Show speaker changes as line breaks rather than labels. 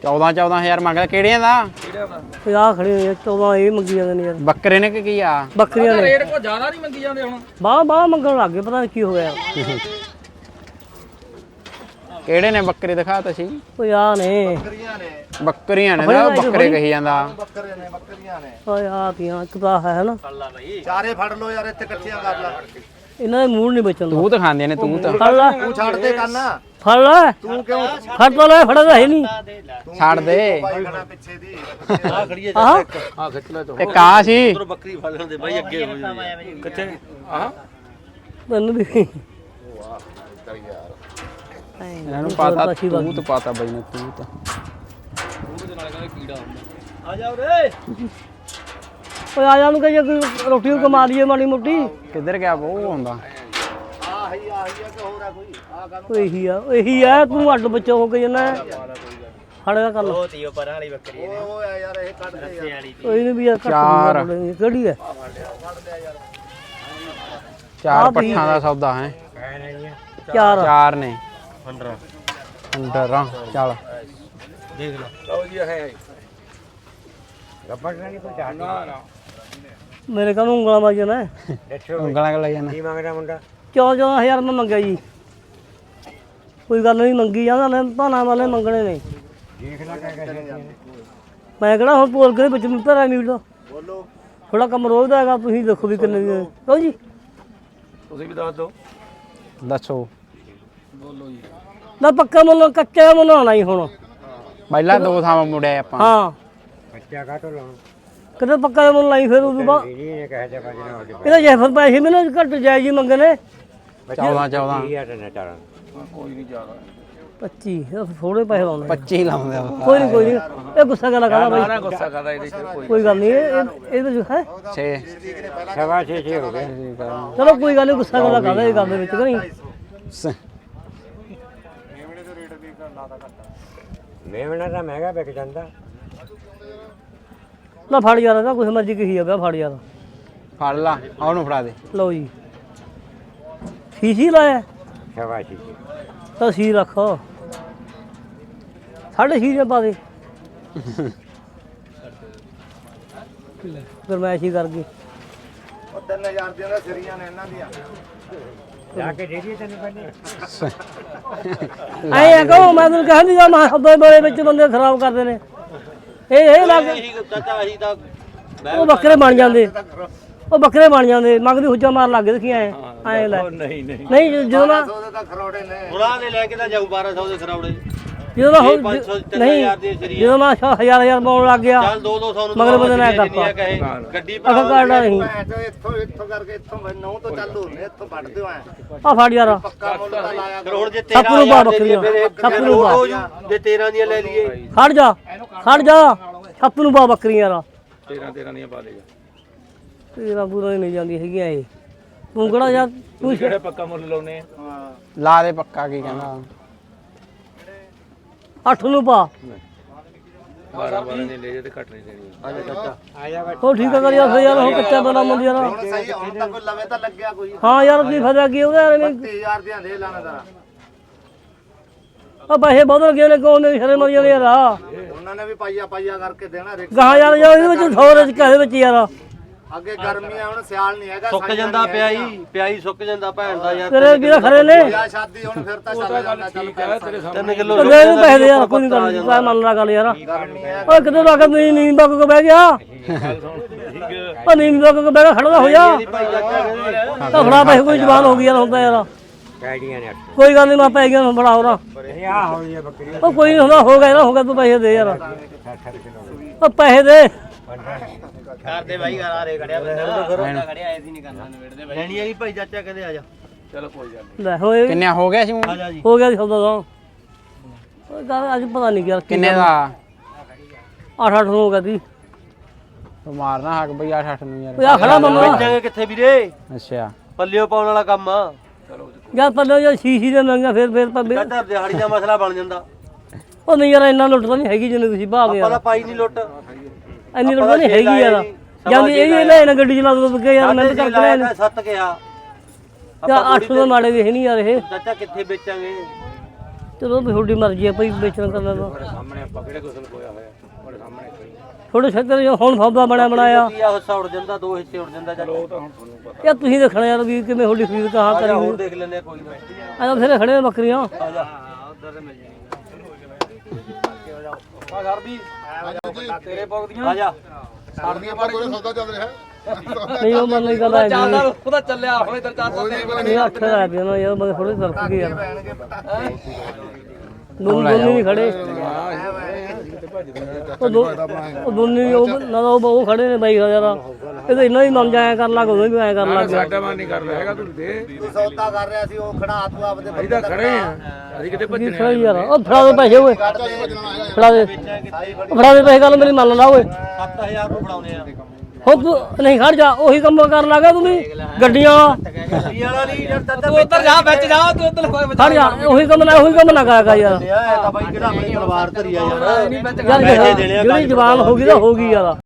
14,000 ਮੰਗਦਾ ਕਿਹੜਿਆਂ ਦਾ?
50 ਖੜੇ ਹੋਏ 14 ਇਹ ਮੰਗੀ ਜਾਂਦੇ ਨੇ ਯਾਰ।
ਬੱਕਰੇ ਨੇ ਕਿ ਕੀ ਆ?
ਬੱਕਰੀਆਂ ਨੇ
ਰੇਟ ਕੋ ਜ਼ਿਆਦਾ ਨਹੀਂ ਮੰਗੀ ਜਾਂਦੇ ਹੁਣ।
ਬਾਹ ਮੰਗਣ ਲੱਗ ਗਏ, ਪਤਾ ਨਹੀਂ ਕੀ ਹੋ ਗਿਆ।
ਕਿਹੜੇ ਨੇ ਬੱਕਰੇ ਦਿਖਾ ਤੁਸੀਂ?
ਓਏ ਆ ਨੇ
ਬੱਕਰੀਆਂ ਨੇ ਨਾ ਬੱਕਰੇ ਕਹੀ ਜਾਂਦਾ।
ਬੱਕਰੀਆਂ ਨੇ
ਓਏ ਆ ਤੀਆਂ ਇੱਕ ਤਾਂ ਹੈ ਨਾ।
ਚਾਰੇ ਫੜ ਲੋ ਯਾਰ, ਇੱਥੇ ਇਕੱਠੀਆਂ ਕਰ ਲੈ।
ਇਹਨਾਂ ਦੇ ਮੂਡ ਨਹੀਂ ਬਚਣ ਦਾ।
ਤੂੰ ਤਾਂ ਖਾਂਦੇ ਨੇ ਤੂੰ ਤਾਂ।
ਫੜ ਲੈ
ਤੂੰ ਛੱਡ ਦੇ ਕੰਨਾ,
ਫੜ ਲੈ
ਤੂੰ ਕਿਉਂ
ਫੜ ਤਾਂ ਲੈ, ਫੜਾ ਤਾਂ ਹੈ ਨਹੀਂ।
ਛੱਡ ਦੇ।
ਭਾਈ ਖੜਾ ਪਿੱਛੇ ਦੀ
ਆ ਖੜੀ ਹੈ
ਆਹ
ਆ ਖਿੱਚ ਲੈ ਤੂੰ।
ਇੱਕ ਆ ਸੀ
ਉਧਰ ਬੱਕਰੀ ਫੜ ਲੈਂਦੇ ਬਾਈ, ਅੱਗੇ ਹੋ ਜਾਂਦੇ ਕਿੱਥੇ ਆ
ਤੈਨੂੰ ਵੀ
ਇਹਨਾਂ ਨੂੰ ਪਤਾ ਤੂੰ ਤਾਂ ਪਤਾ ਬਈ ਨੇ ਤੂੰ ਤਾਂ।
ਉਹਦੇ ਨਾਲ ਕਹਿੰਦਾ ਕੀੜਾ ਹੁੰਦਾ। ਆ ਜਾ ਉਰੇ।
ਓਏ ਆ ਜਾ ਨੂੰ ਕਹੇ ਰੋਟੀ ਕਮਾ ਲਈਏ ਮਾੜੀ ਮੋਟੀ।
ਕਿੱਧਰ ਗਿਆ ਉਹ ਹੁੰਦਾ?
ਆਹੀ ਆ ਕਿ ਹੋਰ ਆ ਕੋਈ ਆ ਗੱਲ।
ਇਹੀ ਆ ਤੂੰ ਅੱਡ ਬੱਚਾ ਹੋ ਕੇ ਜਨਾ ਫੜਿਆ ਕਰ ਲੋ।
ਓਏ ਯਾਰ ਇਹ ਕੱਢ ਦੇ ਯਾਰ।
ਕੋਈ ਵੀ ਆ
ਚਾਰ।
ਕਿਹੜੀ ਹੈ?
4 ਪੱਠਾਂ ਦਾ ਸੌਦਾ ਹੈ।
ਚਾਰ
4 ਨੇ
15
15 ਚੱਲ
ਦੇਖ ਲਓ। ਲਓ ਜੀ ਹੈ ਗੱਬੜ ਨਹੀਂ ਕੋਈ ਚਾਹ ਨਾ।
ਮੇਰੇ ਕੋਲ ਉਂਗਲਾਂ ਮਾਜਣਾ
ਉਂਗਲਾਂ ਕਰ ਲੈ ਜਾਣਾ।
ਕੀ ਮੰਗਦਾ ਮੁੰਡਾ?
14,000 ਮੈਂ ਮੰਗਿਆ ਜੀ। ਕੋਈ ਗੱਲ ਨਹੀਂ ਮੰਗੀ ਜਾਂਦਾ ਲੈ, ਭਾਣਾ ਵਾਲੇ ਮੰਗਣੇ ਨੇ।
ਦੇਖ ਲੈ ਕਹਿ
ਮੈਂ ਕਿਹੜਾ ਹੁਣ ਬੋਲ ਕੇ ਵਿੱਚ ਭਰਾ ਮੀਟ ਦਾ
ਬੋਲੋ
ਥੋੜਾ ਕੰਮ ਰੋਜ਼ ਦਾ ਹੈਗਾ। ਤੁਸੀਂ ਦੇਖੋ ਵੀ ਕਿੰਨੇ ਦੀ ਕਹੋ ਜੀ।
ਤੁਸੀਂ ਵੀ ਦੱਸ ਦਿਓ।
ਦੱਸੋ
ਬੋਲੋ ਜੀ।
ਨਾ ਪੱਕਾ ਮੁੱਲ ਕੱਚਾ ਮੁੱਲ ਆਉਣਾ ਹੀ ਹੁਣ।
ਪਹਿਲਾਂ 2 ਥਾਵਾਂ ਮੁੜਿਆ ਆਪਾਂ।
ਹਾਂ
ਬੱਚਾ ਕਾਟੋ ਲਾਉਂ
ਕਿਤੇ ਪੱਕਾ ਮੁੱਲ ਲਾਈ ਫਿਰ ਉਦੋਂ ਬਾਅਦ
ਇਹ ਕਹੇ ਜਾ ਬਾਜਣਾ ਹੋ ਜਾ।
ਇਹਦਾ ਜੇ ਫਿਰ ਪੈਸੇ ਮੈਨੂੰ ਘੱਟ ਜਾਇਜ਼ ਜੀ ਮੰਗਣੇ।
14
ਨਾ ਚਾਰਾਂ ਕੋਈ ਨਹੀਂ ਜ਼ਿਆਦਾ
25 ਥੋੜੇ ਪੈਸੇ ਲਾਉਣੇ।
25 ਲਾਉਂਦੇ ਆ।
ਕੋਈ ਨਹੀਂ ਇਹ ਗੁੱਸਾ ਕਰ ਲਗਾ ਬਾਈ।
ਸਾਰਾ ਗੁੱਸਾ ਕਰਦਾ ਇਹਦੇ ਚ
ਕੋਈ ਗੱਲ ਨਹੀਂ ਇਹਦੇ ਵਿੱਚ ਹੈ।
6
ਸਵਾ 6 ਹੋ ਗਏ।
ਚਲੋ ਕੋਈ ਗੱਲ ਨਹੀਂ ਗੁੱਸਾ ਕਰ ਲਗਾ ਇਹ ਗੱਲ ਦੇ ਵਿੱਚ ਕਿ ਨਹੀਂ।
ਮੇਵਣਾ ਤਾਂ ਮਹਿੰਗਾ ਵਿਕ ਜਾਂਦਾ।
ਨਾ ਫੜ ਯਾਰ ਇਹਦਾ ਕੁਛ ਮਰਜ਼ੀ ਕਹੀ ਆ ਫੜ ਯਾਰ।
ਫੜ ਲਾ ਉਹਨੂੰ ਫੜਾ ਦੇ।
ਲਓ ਜੀ ਫੀਸੀ ਲਾਇਆ
ਸਵਾ 6
ਤਾਂ ਸੀ ਰੱਖ 6.5 ਪਾ ਦੇ। ਗਰਮੈਸ਼ ਹੀ ਕਰ ਗਈ।
ਉਹ 3000 ਦੀਆਂ ਤਾਂ ਸਿਰੀਆਂ ਨੇ ਇਹਨਾਂ ਦੀਆਂ।
ਜਾ ਕੇ ਦੇ ਦੀ ਤੈਨੂੰ ਪਹਿਲੇ।
ਐਂ ਕਹੋ ਮੈਂ ਤੈਨੂੰ ਕਹਿੰਦੀ ਆ ਮੈਂ ਸੱਦੇ ਬੜੇ ਵਿੱਚ ਬੰਦੇ ਖਰਾਬ ਕਰਦੇ ਨੇ। ਇਹ ਲੱਗ
ਚਾਚਾ ਅਸੀਂ ਤਾਂ
ਉਹ ਬੱਕਰੇ ਬਣ ਜਾਂਦੇ। ਉਹ ਬੱਕਰੇ ਬਣ ਜਾਂਦੇ ਮੰਗਦੀ ਹੁੱਜਾ ਮਾਰ ਲੱਗ ਦੇਖੀ ਐ ਲੈ ਨਹੀਂ ਜਦੋਂ ਨਾ
ਉਹਦੇ ਤਾਂ ਖਰੋੜੇ ਨੇ।
ਉਹਨਾਂ ਦੇ ਲੈ ਕੇ ਤਾਂ ਜਾਊ 1200 ਦੇ ਖਰਾਉੜੇ।
ਜਦੋਂ ਨਾ
ਇਹ 500
ਨਹੀਂ
3000 ਦੀ ਸਰੀਆ।
ਜਦੋਂ ਮੈਂ ਹਜ਼ਾਰ ਪਾਉਣ ਲੱਗ ਗਿਆ
ਚੱਲ 200 ਨੂੰ
ਮਗਰ ਬੰਦੇ ਨੇ ਕਰਤਾ
ਕਹੇ ਗੱਡੀ
ਅਖਾ ਕਾਟਾ ਨਹੀਂ
ਭੈਣ ਚੋ ਇੱਥੋਂ ਕਰਕੇ ਇੱਥੋਂ ਨੌ ਤੋਂ ਚਾਲੂ ਨੇ, ਇੱਥੋਂ ਵੱਢਦੇ ਹੋ ਐ
ਆ ਫੜ ਯਾਰ
ਪੱਕਾ ਮੁੱਲ ਤਾਂ ਲਾਇਆ
ਫਿਰ ਹੁਣ ਜੇ
ਸੱਪ ਨੂੰ ਪਾ
13000 ਦੇ
ਬੱਕਰੀਆਂ
ਫਿਰ
ਸੱਪ ਨੂੰ ਪਾ
ਹੋ ਜੂ ਜੇ 13 ਦੀਆਂ ਲੈ ਲਈਏ।
ਖੜ ਜਾ ਸੱਪ ਨੂੰ ਪਾ ਬੱਕਰੀਆਂ ਯਾਰ
13 ਦੀਆਂ ਪਾ ਦੇਗਾ।
ਤੇਰਾ ਪੂਰਾ ਹੀ ਨਹੀਂ ਜਾਂਦੀ ਹੈਗੀਆਂ ਇਹ। ਤੂੰ ਕਿਹੜਾ ਯਾਰ ਤੂੰ
ਕਿਹੜੇ ਪੱਕਾ ਮੁੱਲ ਲਾਉਨੇ ਆ?
ਲਾ ਦੇ ਪੱਕਾ ਕੀ ਕਹਿੰਦਾ।
8 ਨੂੰ ਪਾ
12 ਨੇ ਲੈ ਜੇ ਤੇ ਘੱਟ ਨਹੀਂ ਦੇਣੀ। ਆ ਜਾ ਚਾਚਾ ਆ ਜਾ।
ਉਹ ਠੀਕ ਕਰ ਯਾਰ ਯਾਰ ਉਹ ਕੱਚਾ ਬਣਾ ਮੰਦੀ ਯਾਰ।
ਹੁਣ ਸਹੀ ਹੁਣ ਤਾਂ ਕੋਈ ਲਵੇ ਤਾਂ ਲੱਗਿਆ ਕੋਈ।
ਹਾਂ ਯਾਰ ਕੀ ਫਾਇਦਾ ਕੀ ਉਹਦਾ ਯਾਰ
30000 ਦੀਆਂ ਦੇ ਲਾਣਾ ਦਾ।
ਆ ਪੈਸੇ ਬਹੁਤ ਲੱਗੇ ਨੇ ਕੋਲ ਨੇ ਸ਼ਰੇ ਮਰ ਜਾਂਦੇ ਯਾਰ।
ਉਹਨਾਂ ਨੇ ਵੀ ਪਾਈਆ ਕਰਕੇ ਦੇਣਾ ਰਿਕ।
ਗਾਹ ਯਾਰ ਇਹਦੇ ਵਿੱਚ 100 ਦੇ ਘਰੇ ਵਿੱਚ ਯਾਰ
ਅੱਗੇ ਗਰਮੀਆਂ ਹੁਣ ਸਿਆਲ ਨਹੀਂ ਹੈਗਾ।
ਸੁੱਕ ਜਾਂਦਾ ਪਿਆਈ ਸੁੱਕ ਜਾਂਦਾ ਭੈਣ ਦਾ ਯਾਰ।
ਤੇਰੇ ਵੀਰ ਖਰੇ ਨੇ
ਵਿਆਹ ਸ਼ਾਦੀ ਹੁਣ ਫਿਰ ਤਾਂ ਚੱਲ ਜਾਂਦਾ। ਚੱਲ ਤੇਰੇ
3 ਕਿਲੋ
ਦੇ ਇਹਨੂੰ ਪੈਸੇ ਦੇ ਯਾਰ ਕੋਈ ਨਹੀਂ ਗੱਲ ਨਹੀਂ ਮੰਨ ਲਾ ਗੱਲ ਯਾਰ। ਓਏ ਕਿਤੇ ਲਾ ਕੇ ਨਹੀਂ ਬੱਕ ਕੇ ਬਹਿ ਗਿਆ। ਉਹ ਨਹੀਂ ਬੱਕ ਕੇ ਬਹਿ ਗਿਆ ਖੜਾ ਹੋ ਜਾ। ਤਾਂ ਫੜਾ ਪੈਸੇ ਕੋਈ ਜਵਾਨ ਹੋ ਗਈ ਯਾਰ ਹੁੰਦਾ ਯਾਰ। ਕੋਈ ਗੱਲ ਨਹੀਂ ਮੈਂ ਪੈ ਗਿਆ ਫੜਾ ਹੋਣਾ। ਉਹ ਕੋਈ ਨਹੀਂ ਹੁੰਦਾ ਹੋ ਗਿਆ ਤੂੰ ਪੈਸੇ ਦੇ ਯਾਰ। ਉਹ ਪੈਸੇ ਦੇ
ਕਰਦੇ ਬਾਈ ਘਰ ਆ ਰੇ ਖੜਿਆ ਬੰਦਾ ਖੜਿਆ ਐਸੀ ਨਹੀਂ ਕਰਨਾ ਨਵੇੜਦੇ ਬਾਈ। ਲੈਣੀ ਹੈਗੀ ਭਾਈ ਚਾਚਾ ਕਹਿੰਦੇ ਆ ਜਾ। ਚਲੋ ਕੋਈ ਗੱਲ ਨਹੀਂ।
ਲੈ ਹੋਏ
ਕਿੰਨੇ ਹੋ ਗਿਆ ਸੀ ਹੁਣ?
ਆ ਜਾ ਜੀ।
ਹੋ ਗਿਆ ਸੀ ਸੌਦਾ ਤਾਂ। ਉਹ ਗੱਲ ਅੱਜ ਪਤਾ ਨਹੀਂ ਯਾਰ
ਕਿੰਨੇ ਦਾ?
8 ਨੂੰ ਹੋ ਗਿਆ ਸੀ।
ਮਾਰਨਾ ਹੱਕ ਬਈ 8 ਨੂੰ ਯਾਰ।
ਉਹ ਆ ਖੜਾ ਮੰਮਾ
ਵੇਚਾਂਗੇ ਕਿੱਥੇ ਵੀਰੇ?
ਅੱਛਾ
ਪੱਲਿਓ ਪਾਉਣ ਵਾਲਾ ਕੰਮ ਆ। ਚਲੋ
ਯਾਰ ਪੱਲੇ ਜਾਂ ਸ਼ੀਸ਼ੀ ਦੇ ਮੰਗਾ ਫਿਰ ਪੱਬੇ
ਚਾਚਾ ਦਿਹਾੜੀ ਦਾ ਮਸਲਾ ਬਣ ਜਾਂਦਾ।
ਉਹ ਨਹੀਂ ਯਾਰ ਇੰਨਾ ਲੁੱਟ ਤਾਂ ਨਹੀਂ ਹੈਗੀ ਜਿੰਨੇ ਤੁਸੀਂ ਭਾਵੇਂ
ਆਪਾਂ
ਯਾਰ।
ਤਾਂ ਪਾਈ ਨਹੀਂ ਲੁੱਟ।
ਇੰਨੀ ਲੁੱਟ ਤਾਂ ਨਹੀਂ ਹੈਗੀ ਯਾਰ। ਜਾਂਦੀ ਇਹ ਵੀ ਲੈ ਨਾ ਗੱਡੀ ਚਲਾ ਦੋ ਕੇ ਯਾਰ ਮਿਹਨਤ ਕਰਕੇ ਲੈ
7 ਕਿਹਾ।
ਯਾਰ 800 ਦੇ ਮਾੜੇ ਵੇਖ ਨਹੀਂ ਯਾਰ ਇਹ।
ਚਾਚਾ ਕਿੱਥੇ ਵੇਚਾਂਗੇ?
ਚਲੋ ਵੀ ਤੁਹਾਡੀ ਮਰਜ਼ੀ ਹੈ ਭਾਈ ਵੇਚਣ ਕਰਨਾ ਤਾਂ
ਸਾਹਮਣੇ ਆਪਾਂ ਕਿਹੜੇ ਕੁਸਲ ਕੋਇਆ ਹੋਇਆ ਤੁਹਾਡੇ ਸਾਹਮਣੇ
ਥੋੜੇ ਛੱਤਰ ਹੁਣ ਸੌਦਾ ਬਣਿਆ ਬਣਾਇਆ
ਕੀ ਆ ਹਿੱਸਾ ਉੜ ਜਾਂਦਾ ਦੋ ਹਿੱਸੇ ਉੜ ਜਾਂਦਾ ਚੱਲ ਉਹ ਤਾਂ ਹੁਣ ਤੁਹਾਨੂੰ ਪਤਾ
ਯਾਰ ਤੁਸੀਂ ਦੇਖਣਾ ਯਾਰ ਵੀ ਕਿਵੇਂ ਤੁਹਾਡੀ ਖਰੀਦ ਕਹਾਂ ਕਰੀ
ਹੋਰ ਦੇਖ ਲੈਂਦੇ ਕੋਈ ਨਾ
ਆ ਬਥੇਰੇ ਖੜੇ ਨੇ ਬੱਕਰੀਆਂ
ਆ ਜਾ ਉਧਰ ਤੇ ਮਿਲ ਜਾਣੀ ਆ ਸਰਦੀ ਤੇਰੇ ਪੌਕਦੀਆਂ ਆ ਜਾ
ਸਰਦੀਆਂ ਪਰ ਕੋਈ ਸੌਦਾ ਚੱਲ ਰਿਹਾ
ਨਹੀਂ ਉਹ ਮਨ ਨਹੀਂ ਗੱਲ ਹੈ
ਚੱਲਦਾ ਉਹਦਾ ਚੱਲਿਆ ਹੁਣ ਇਧਰ ਚੱਲਦਾ
ਨਹੀਂ ਅੱਖਰ ਆ ਪਿਆ ਨਾ ਯਾਰ ਮੈਂ ਥੋੜੇ ਤਰਕ ਗਏ ਯਾਰ ਦੋਨੇ ਨਹੀਂ ਖੜੇ ਉਹ ਦੋਨੇ ਉਹ ਨਾ ਉਹ ਖੜੇ ਨੇ ਬਾਈ ਯਾਰ ਇਹ ਤਾਂ ਇੰਨਾ ਹੀ ਮਨ ਜਾਇਆ ਕਰਨ ਲੱਗ ਉਹਨੂੰ ਵੀ ਐ ਕਰਨ ਲੱਗ ਗਿਆ
ਸਾਡਾ ਮਨ ਨਹੀਂ ਕਰਦਾ ਹੈਗਾ ਤੂੰ ਦੇ
ਤੂੰ ਸੌਦਾ ਕਰ ਰਿਹਾ ਸੀ ਉਹ ਖੜਾ ਤੂੰ ਆਪਦੇ
ਅਸੀਂ ਤਾਂ ਖੜੇ ਆ ਅਸੀਂ ਕਿਤੇ
ਕੀ ਸਹੀ ਯਾਰ ਉਹ ਫੜਾ ਦੇ ਪੈਸੇ ਓਏ ਫੜਾ ਦੇ ਪੈਸੇ ਗੱਲ ਮੇਰੀ ਮੰਨ ਲਾ ਓਏ
7000 ਨੂੰ ਫੜਾਉਨੇ ਆ
ਹੋ ਤੂੰ ਨਹੀਂ ਖੜ ਜਾ ਉਹੀ ਕੰਮ ਕਰਨ ਲੱਗਾ ਤੂੰ ਵੀ ਗੱਡੀਆਂ
ਗੱਡੀ ਵਾਲਾ ਨਹੀਂ ਜਦ ਤੂੰ ਉੱਧਰ ਜਾ ਵਿੱਚ ਜਾ ਤੂੰ ਉੱਧਰ ਕੋਈ
ਖੜ ਜਾ ਉਹੀ ਕੰਮ ਨਾ ਕਰਾਂਗਾ ਯਾਰ
ਇਹ ਤਾਂ ਬਾਈ ਕਿਹੜਾ ਆਪਣੀ ਪਰਿਵਾਰ ਧਰੀ ਆ ਯਾਰ
ਯਾਰ ਜਿਹੜੀ ਜਵਾਨ ਹੋ ਗਈ ਤਾਂ ਹੋ ਗਈ ਯਾਰ